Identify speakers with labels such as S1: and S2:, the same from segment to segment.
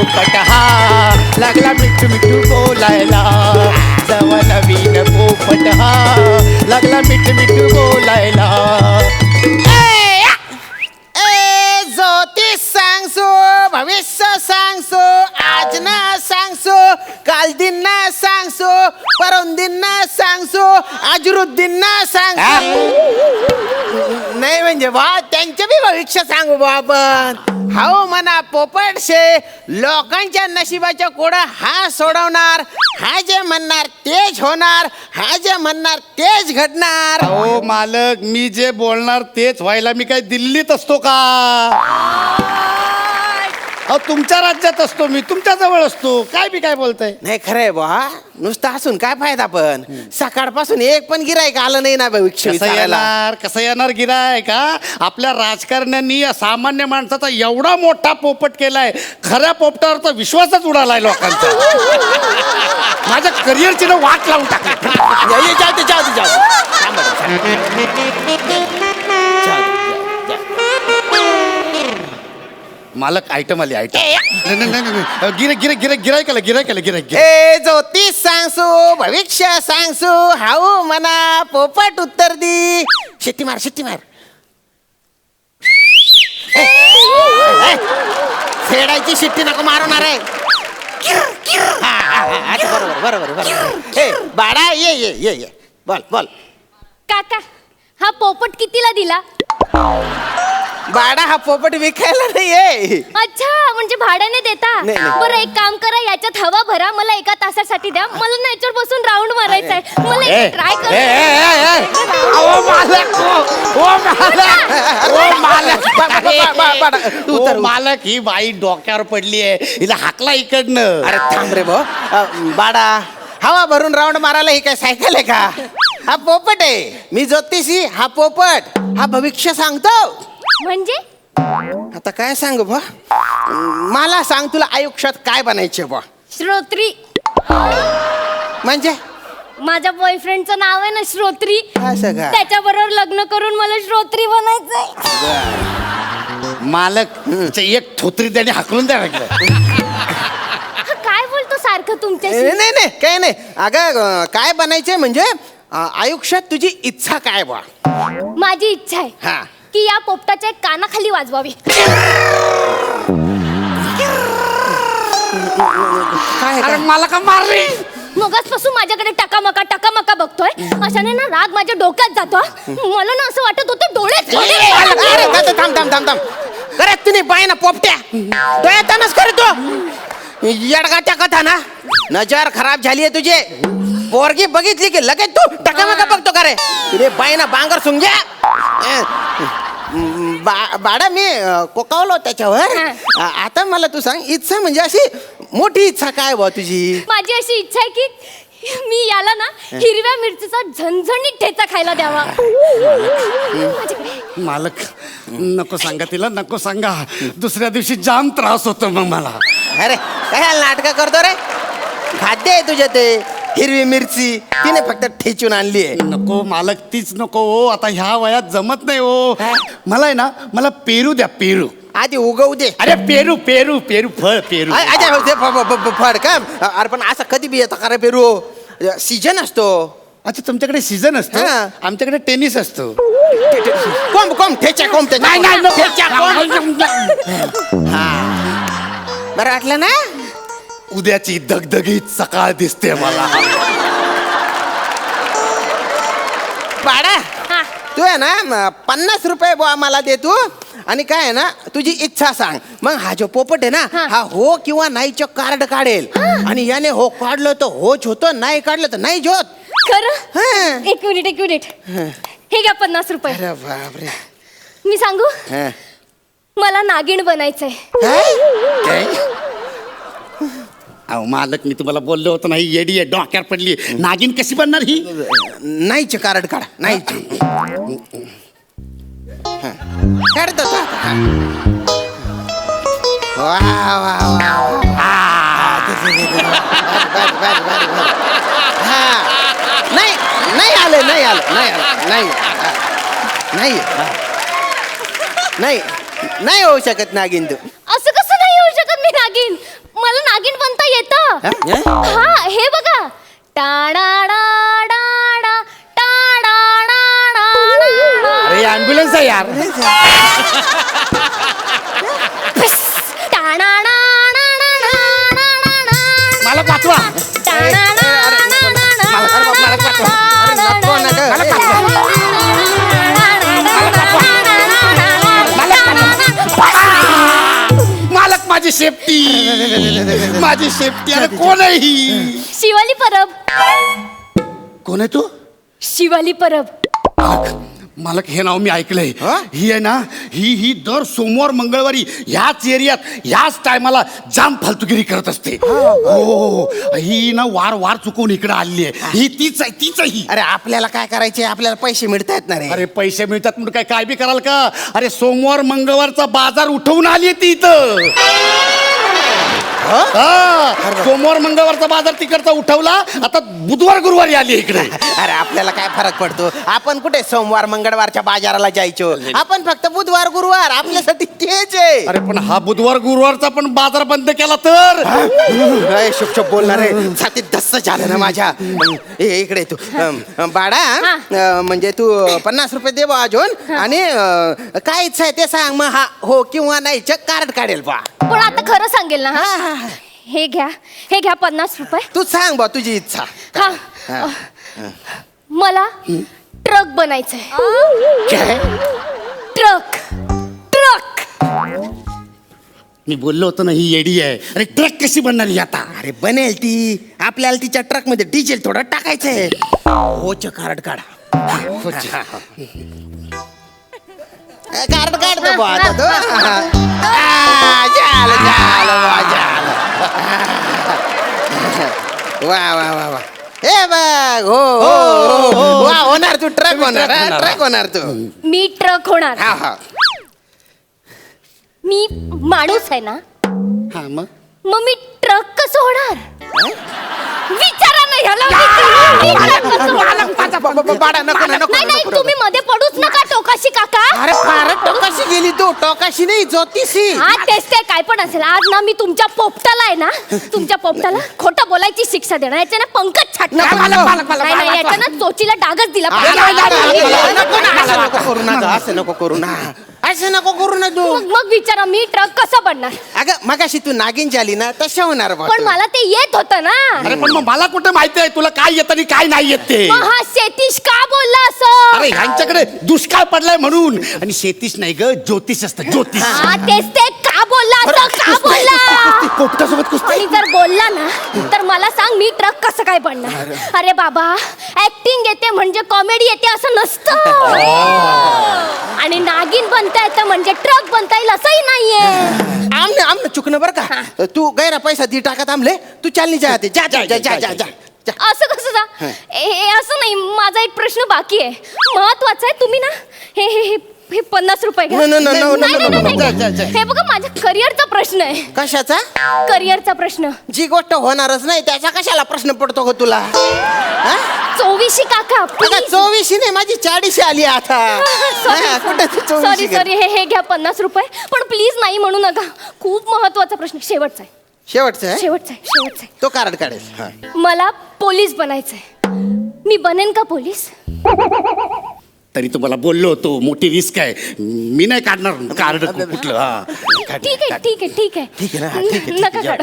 S1: पोपट हा लागला मिठू मिठू बोलायला जवा नवीन पोपट हा लागला मिठू मिठू बोलायला.
S2: ज्योतिष सांगसो भविष्य सांगसो आज ना सांगसो काल दिन ना सांगसो परम दिन ना सांगसो अजरुद्दीन ना सांगसो. नाही म्हणजे बा त्यांचे बी भविष्य सांगू बा आपण. हाऊ म्हणा पोपट शे लोकांच्या नशिबाच्या कोडा हा सोडवणार. हा जे म्हणणार तेच होणार. हा जे म्हणणार तेच घडणार.
S1: हो मालक मी जे बोलणार तेच व्हायला मी काय दिल्लीत असतो का? अहो तुमच्या राज्यात असतो मी तुमच्या जवळ असतो काय बी काय बोलताय.
S2: नाही खरंय बा नुसतं असून काय फायदा पण सकाळपासून एक पण गिरायक आलं नाही ना भविष्य विचारायला.
S1: कसं येणार गिराय का? आपल्या राजकारण्यांनी या सामान्य माणसाचा एवढा मोठा पोपट केलाय खऱ्या पोपटावर तर विश्वासच उडालाय लोकांचा. माझ्या करिअरची ना वाट लावून टाकली. मालक आयटम आली आयटम. गिरायक
S2: ए ज्योतिष सांगसू भविष्य सांगसू हाऊ म्हणा पोपट उत्तर दी. शिट्टी मार शिट्टी मार. फेडायची शिट्टी नको मारणार आहे. बरोबर बरोबर बरोबर. ए बाळा ये ये ये ये बोल बोल.
S3: काका हा पोपट कितीला दिला?
S2: बाळा हा पोपट विकायला नाहीये.
S3: अच्छा म्हणजे भाड्याने देता.
S2: नाही, नाही.
S3: बरं एक काम करा याच्यात हवा भरा मला एका तासासाठी द्या. मला ना याच्यावर बसून राऊंड मारायचा आहे. मला ट्राय
S1: मालक ही बाई डोक्यावर पडली आहे हिला हाकला इकडनं.
S2: अरे थांब रे भाऊ. बाळा हवा भरून राऊंड मारायला ही काय सायकल आहे का? हा पोपट आहे. मी ज्योतिषी हा पोपट हा भविष्य सांगतो.
S3: म्हणजे
S2: आता काय सांगू बा मला सांग तुला आयुष्यात काय बनायचे बा?
S3: श्रोत्री.
S2: म्हणजे
S3: माझ्या बॉयफ्रेंडचं नाव आहे ना श्रोत्री.
S2: असं का?
S3: त्याच्याबरोबर लग्न करून मला श्रोत्री बनायचंय.
S1: मालक एक थोत्री त्याने हाकलून द्या लागलं.
S3: काय बोलतो सारखं तुमच्याशी?
S2: नाही नाही काही नाही. अगं काय बनायचे म्हणजे आयुष्यात तुझी इच्छा काय बा?
S3: माझी इच्छा आहे
S2: हा
S3: की या पोपटाच्या कानाखाली वाजवावी.
S2: काय
S1: अरे मला का मारली?
S3: मगाचपासून माझ्याकडे टकामका बघतोय. अशाने ना राग माझ्या डोक्यात जातो. मला ना असं वाटत होतं डोळ्यात
S2: अरे थांब थांब थांब थांब. अरे तुम्ही बाय ना पोपट्या डोळ्यातच करतो येडगाच्या कथा ना. नजर खराब झालीये तुझे. पोरगी बघितली की लगेच तू टकामका बघतो का रे? तुझे बाय ना बांगर सुंग्या. बाळा मी कोकावलो त्याच्यावर. आता मला तू सांग इच्छा म्हणजे अशी मोठी इच्छा काय बा तुझी?
S3: माझी अशी इच्छा आहे की मी याला ना हिरव्या मिरचीचा झणझणीत ठेचा खायला द्यावा.
S1: मालक नको सांगा तिला नको सांगा. दुसऱ्या दिवशी जाम त्रास होतो मग मला.
S2: अरे काय नाटक करतो रे? खाद्य आहे तुझ्या ते हिरवी मिरची तिने फक्त ठेचून आणली आहे.
S1: नको मालक तीच नको हो. आता ह्या वयात जमत नाही हो. मला आहे ना मला पेरू द्या पेरू.
S2: आधी उगवू दे.
S1: अरे पेरू पेरू पेरू फळ पेरू.
S2: फड का? अरे पण असं कधी बी येतं का रे पेरू? सीजन असतो.
S1: अच्छा तुमच्याकडे सीझन असतो.
S2: हा.
S1: आमच्याकडे टेनिस असतो.
S2: कोंब कोंब ठेच्या कोंब
S1: नाही नाही नको.
S2: ठेच्या कोंब. बरं वाटलं ना?
S1: उद्याची दगदगीत सकाळ दिसते मला.
S2: पाडा
S3: हा.
S2: तू आहे ना 50 रुपये बुवा मला दे तू. आणि काय आहे ना तुझी इच्छा सांग. मग हा जो पोपट आहे ना हा हो किंवा नाहीचं कार्ड काढेल. आणि याने हो काढलं तर होच होतं नाही काढलं तर नाही होत.
S3: खरं? एक मिनिट हे घ्या 50 रुपये.
S2: अरे बापरे.
S3: मी सांगू मला नागिण बनायचंय.
S1: अहो मालक मी तुम्हाला बोललो होतो नाही येडी आहे डोक्यावर पडली. नागिन कशी बनणार ही?
S2: नाहीच कार्ड काढ. नाही काढतो वा वा वा. नाही नाही आलं नाही आलं नाही आलं नाही नाही नाही नाही होऊ शकत नागिन तू.
S3: असं कसं नाही होऊ शकत मी नागिन? हा हे बघा. टाडाडाडाडा, टाडाडाडाडा.
S1: अरे ॲम्ब्युलन्स आहे यार. मला पाठवा. मालक माझी सेफ्टी. माझी सेफ्टी. अरे कोण आहे ही?
S3: शिवाली परब.
S1: कोण आहे तू?
S3: शिवाली परब.
S1: मालक हे नाव मी ऐकलंय. ही आहे ना, ही दर सोमवार मंगळवारी ह्याच एरियात ह्याच टायमाला जाम फालतुगिरी करत असते. हो ही ना वार चुकवून इकडे आली आहे. ही तीच आहे, तीच आहे ही.
S2: अरे आपल्याला काय करायचे? आपल्याला पैसे मिळतायत ना रे.
S1: अरे पैसे मिळतात म्हणून काय बी कराल का? अरे सोमवार मंगळवारचा बाजार उठवून आली ती इथं. सोमवार मंगळवारचा बाजार तिकडचा उठवला. आता बुधवार गुरुवारी आली इकडे.
S2: अरे आपल्याला काय फरक पडतो? आपण कुठे सोमवार मंगळवारच्या बाजाराला जायचो? आपण फक्त बुधवार गुरुवार आपल्यासाठी तेच आहे.
S1: अरे पण हा बुधवार गुरुवारचा पण बाजार बंद केला तर?
S2: शुभ बोलणार आहे. छातीत धस्स झालं ना माझ्या. इकडे तू बाळा, म्हणजे तू 50 रुपये दे बा अजून. आणि काय इच्छा आहे ते सांग. मग हा हो किंवा नाही कार्ड काढेल बा.
S3: पण आता खरं सांगेल ना? हे घ्या 50 रुपये.
S2: तू सांग बा तुझी इच्छा.
S3: हा मला ट्रक बनायचंय. ट्रक.
S1: मी बोललो होतो ना ही येडी आहे. अरे ट्रक कशी बनणार ही आता?
S2: अरे बनेल ती. आपल्याला तिच्या ट्रक मध्ये डिझेल थोडं टाकायचंय. होच कार्ड काढा. कार्ड काढतो बा आता तो. वा वा वा वा. ए बघ. हो वा होणार तू. ट्रक होणार. ट्रक होणार तू.
S3: मी ट्रक होणार.
S2: हा हा.
S3: मी माणूस आहे ना,
S1: हा मग
S3: मग मी ट्रक कसं होणार? विचारा ना ह्याला. मी ट्रक कसं होणार?
S2: बाळा नको नको.
S3: नाही तुम्ही मध्ये पडूच नका टोकाशी काका.
S2: अरे फारच टोकाशी गेली तू. टोकाशी नाही ज्योतिषी.
S3: हा तेच ते काय पण असेल. आज ना मी तुमच्या पोपटाला आहे ना, तुमच्या पोपटाला खोटं बोलायची शिक्षा देणार. याच्या ना पंकज छाटणार. नाही याच्या ना चोचीला डागच दिला पाहिजे.
S2: असं नको करू ना. असं नको करू ना तू.
S3: मग विचारा मी ट्रक कसं बनणार?
S2: अगं मगाशी तू नागिन झाली ना तशा होणार बा
S3: पण
S2: तू.
S3: मला ते येत होतं ना.
S1: अरे पण मग मला कुठे माहिती आहे तुला काय येत आणि काय नाही येत ते?
S3: मग हा शेतीश का बोलला असं?
S1: अरे ह्यांच्याकडे दुष्काळ पडलाय म्हणून. आणि शेतीश नाही ग, ज्योतिष असतं. ज्योतिष.
S3: हा तेच ते का बोलला असं? का बोलला?
S1: पोपटासोबत कुस्ती.
S3: आणि जर बोलला ना तर मला सांग मी ट्रक कसं काय बनणार? अरे बाबा ऍक्टिंग येते म्हणजे कॉमेडी येते असं नसतं. आणि नागिन बनता येतं म्हणजे ट्रक बनता येईल असंही नाहीये.
S2: आमने चुकणं बरं का. तू गैरा पैसा दी टाका थांबले. तू चालनी जा आते. जा जा जा जा जा जा.
S3: असं कसं जा? हे असं नाही. माझा एक प्रश्न बाकी आहे, महत्वाचा आहे. तुम्ही ना हे हे हे हे 50 रुपये घ्या.
S2: No, no, no, no, no,
S3: नाही,
S2: no,
S3: नाही,
S2: no,
S3: नाही,
S2: जा,
S3: नाही.
S2: जा, जा.
S3: हे बघा माझ्या करिअरचा प्रश्न आहे.
S2: कशाचा?
S3: करिअरचा प्रश्न.
S2: जी गोष्ट होणारच नाही त्याचा कशाला प्रश्न पडतो ग तुला?
S3: 24 काका
S2: आता 24 नाही माझी 40 आली आता. कुठे तू 24
S3: सॉरी हे घ्या 50 रुपये. पण प्लीज नाही म्हणू नका. खूप महत्वाचा प्रश्न. शेवटचा आहे.
S2: शेवटचं आहे?
S3: शेवटचा आहे.
S2: तो कार्ड काढेल.
S3: मला पोलीस बनायचंय. मी बनेन का पोलीस?
S1: तरी तुम्हाला बोललो होतो मोठी रिस्क आहे. मी नाही काढणार कार्ड कुठलं. हा
S3: ठीक आहे.
S2: ठीक आहे ना. ठीक आहे.
S3: नका काढा.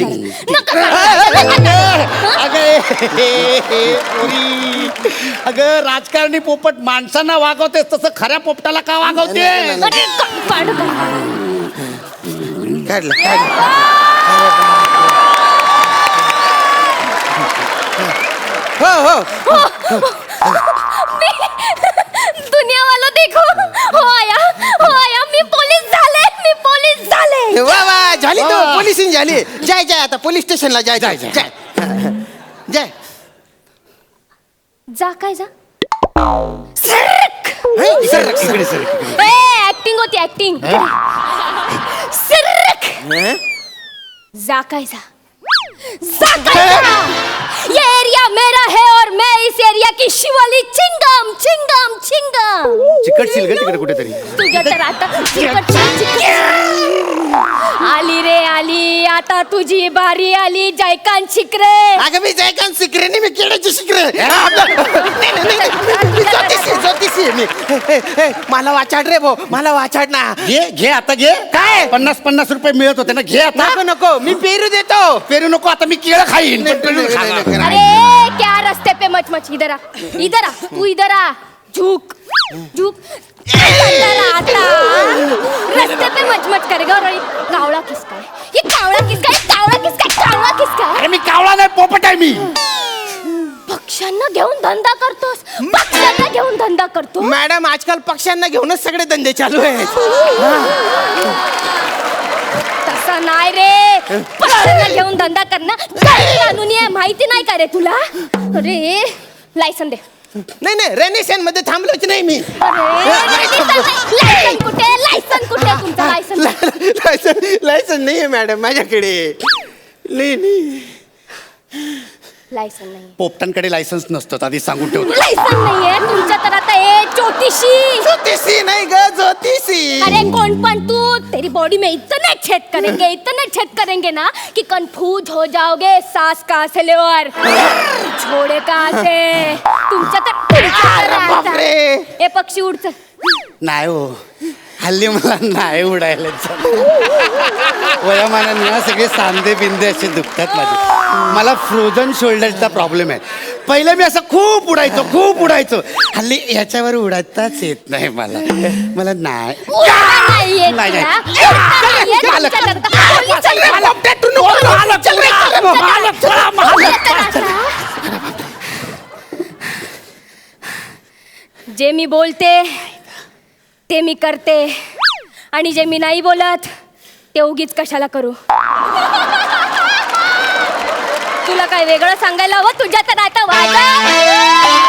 S1: अगं राजकारणी पोपट माणसांना वागवते तसं खऱ्या पोपटाला का वागवते?
S2: काढलं. हो
S3: दुनिया वाला देखो. हो आया मी पोलीस झाले.
S2: वा वा झाली तू पोलिसिंग झाली. जाय आता पोलीस स्टेशनला जाय. जाय
S3: जा काय जा. ऍक्टिंग होती ऍक्टिंग. जा काय जा. ये एरिया मेरा है और मैं इस एरिया की शिवाली चिंगम.
S1: चिकटशील ग तिकडे कुठेतरी.
S3: तुझ्या तर आता चिकट आली रे आली, आता तुझी बारी आली जयकांत शिकरे.
S2: अगं मी जयकांत शिकरे नाही, मी किड्याची शिकरे. मी ज्योतिषी मी. मला वाचाड रे भाऊ, मला वाचाड ना.
S1: घे आता घे.
S2: काय?
S1: 50 रुपये मिळत होते ना, घे आता.
S2: नको नको, मी पेरू देतो.
S1: पेरू नको, आता मी केळं खाईन.
S2: नाही, नाही, नाही, नाही, नाही.
S3: अरे क्या रस्ते पे मच मच, इधर आ, इधर आ, तू इधर आ. झुक झुक. आता रस्ते पे मच मच करेगा. और ये कावळा किसका है? ये कावळा किसका है? कावळा किसका है? कावळा किसका है?
S1: अरे मी कावळा नाही, पोपट आहे मी.
S3: पक्ष्यांना घेऊन धंदा करतोस, पक्ष्यांना घेऊन धंदा करतो.
S2: मॅडम आजकाल पक्ष्यांना घेऊनच सगळे धंदे चालू आहेत.
S3: तसं नाही रे, पक्ष्यांना घेऊन धंदा करणं कानूनी आहे, माहिती नाही का रे तुला? अरे लायसन दे.
S2: नाही नाही, रेनेशन मध्ये थांबलोच नाही मी.
S3: लायसन कुठे? लायसन कुठे तुमचं? लायसन
S2: लायसन नाही आहे मॅडम माझ्याकडे. नाही
S3: लायसन नाही.
S1: पोपटांकडे लायसन्स नसतं, आधी सांगून ठेवतो.
S3: लायसन नाहीये तुमच्या तर आता ए ज्योतिषी.
S2: ज्योतिषी नाही ग, ज्योतिषी.
S3: अरे कौन पण तू, तेरी बॉडी में इतना छेद करेंगे ना कि कंफ्यूज हो जाओगे. सांस कहाँ से ले और छोड़े कहाँ से. तुमच्या तर
S2: बापरे.
S3: ए पक्षी उड चल.
S1: नाही हो, हल्ली मला नाही उडायला वयामानाने ना सगळे सांधे बिंदे असे दुखतात माझे. मला फ्रोझन शोल्डरचा प्रॉब्लेम आहे. पहिले मी असं खूप उडायचो. हल्ली ह्याच्यावर उडायताच येत नाही मला. मला नाही.
S3: नाहीये
S1: नाही, नाही.
S3: तुमच्या जे मी बोलते ते मी करते, आणि जे मी नाही बोलत ते उगीच कशाला करू. तुला काय वेगळं सांगायला हवं? तुझ्या तर आता वाजा.